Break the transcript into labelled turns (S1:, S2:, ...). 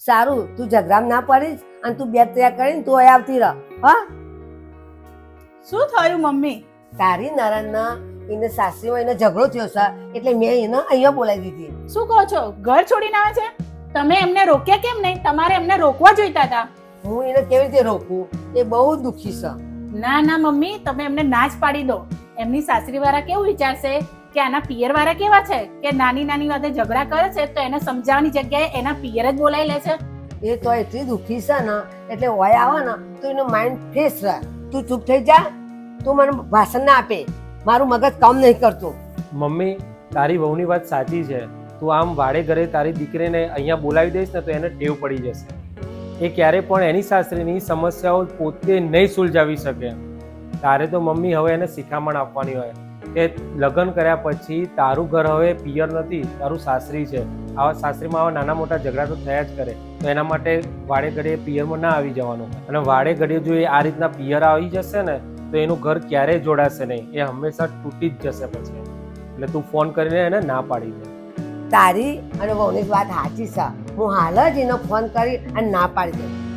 S1: સારું તું ઝઘડામાં ના પડીશ અને તું બેગ તૈયાર કરીને તું અહીં આવતી રહ. હા,
S2: શું થયું મમ્મી?
S1: તારી નણંદના એને સાસરીમાં એને ઝઘડો થયો છે એટલે મેં એને અહીંયા બોલાવી દીધી.
S2: શું કહો છો? ઘર છોડીને આવે છે? તમે એમને રોક્યા કેમ નહીં? તમારે એમને રોકવા જોઈતા હતા.
S1: હું એને કેવી રીતે રોકું? એ બહુ દુઃખી છે.
S2: ના ના મમ્મી, તમે એમને ના જ પાડી દો. એમની સાસરી વાળા કેવું વિચારશે કે આના પિયર વાળા કેવા છે કે નાની નાની વાતે ઝઘડા કરે છે તો એને સમજાવવાની જગ્યાએ એના પિયર જ બોલાવી લે છે.
S1: એ તો એટલી દુઃખી છે ને એટલે હોય આવે ને તો એનું માઇન્ડ ફ્રેશ રહે. તું ચૂપ થઈ જા, તું મને ભાષણ ના આપે, મારું મગજ કામ નહીં કરતું.
S3: મમ્મી, તારી વહુની વાત સાચી છે. તું આમ વાડે ઘરે તારી દીકરીને અહીંયા બોલાવી દઈશ ને તો એને ટેવ પડી જશે. એ ક્યારે પણ એની સાસરીની સમસ્યાઓ પોતે નહીં સુલઝાવી શકે. તારે તો મમ્મી હવે એને શિખામણ આપવાની હોય કે લગ્ન કર્યા પછી તારું ઘર હવે પિયર નથી, તારું સાસરી છે. આવા સાસરીમાં આવા નાના મોટા ઝઘડા તો થયા જ કરે, તો એના માટે વાડે ઘડીએ પિયરમાં ના આવી જવાનું. અને વાડે ઘડીએ જો એ આ રીતના પિયર આવી જશે ને તો એનું ઘર ક્યારેય જોડાશે નહીં, એ હંમેશા તૂટી જ જશે પછી. એટલે તું ફોન કરીને એને ના પાડી દે.
S1: તારી અને વહુની વાત સાચી છે. હું હાલ જ એને ફોન કરી અને ના પાડી દઉં.